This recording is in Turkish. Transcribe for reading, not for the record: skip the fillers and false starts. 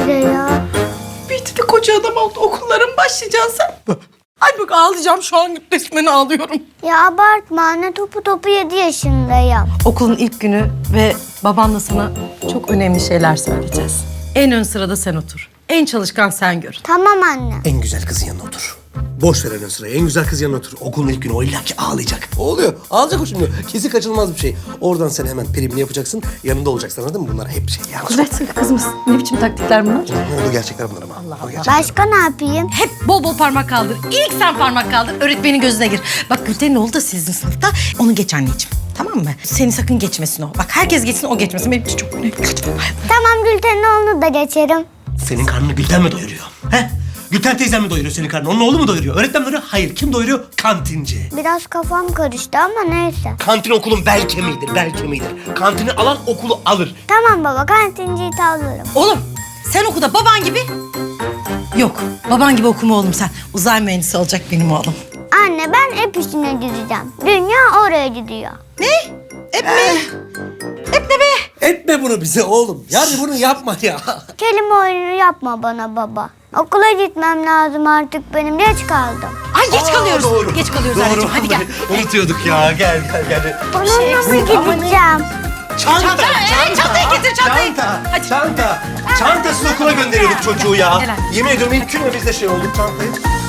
bize ya? Büyüdü de koca adam oldu. Okullara mı başlayacaksın sen? Ay bak ağlayacağım şu an, resmen ağlıyorum. Ya abartma anne, topu 7 yaşındayım. Okulun ilk günü ve babanla sana çok önemli şeyler söyleyeceğiz. En ön sırada sen otur. En çalışkan sen gör. Tamam anne. En güzel kızın yanına otur. Boş ver en ön sırayı. En güzel kızın yanına otur. Okulun ilk günü o illaki ağlayacak. O oluyor. Ağlayacak o şimdi. Kesin kaçınılmaz bir şey. Oradan sen hemen primini yapacaksın. Yanında olacaksın, anladın mı? Bunlar hep şey yani. Kudret kızımız, ne biçim taktikler bunlar? Bu gerçekler bunlar ama. Allah Allah. Başka ne yapayım? Hep bol bol parmak kaldır. İlk sen parmak kaldır. Öğretmenin gözüne gir. Bak Gülten'in oğlu da sizin sınıfta. Onu geç anneciğim. Tamam mı? Seni sakın geçmesin o. Bak herkes geçsin, o geçmesin. Benim için çok önemli. Lütfen. Tamam, Gülten'in oğlunu da geçerim. Senin karnını Gülten mi doyuruyor? He? Gülten teyzen mi doyuruyor senin karnını? Onun oğlu mu doyuruyor? Öğretmen mi doyuruyor? Hayır. Kim doyuruyor? Kantinci. Biraz kafam karıştı ama neyse. Kantin okulun bel kemiğidir, bel kemiğidir. Kantini alan okulu alır. Tamam baba, kantinciyi tavlarım. Oğlum sen oku baban gibi. Yok, baban gibi okuma oğlum sen. Uzay mühendisi olacak benim oğlum. Anne, ben hep işine gideceğim. Dünya oraya gidiyor. Ne? Hep mi? Hep ne be? Etme bunu bize oğlum. Yani bunu yapma ya. Kelime oyunu yapma bana baba. Okula gitmem lazım artık benim. Geç kaldım. Ay geç kalıyoruz. Doğru. Geç kalıyoruz Doğru. anneciğim. Hadi gel. Unutuyorduk ya. Gel. Onunla mı eksik ama ne? gideceğim? Çantayı getir, çantayı. Hadi. Çantasız okula gönderiyorduk çocuğu ya. Gel hadi. Yemin ediyorum ilk gün mü biz de şey olduk çantayı.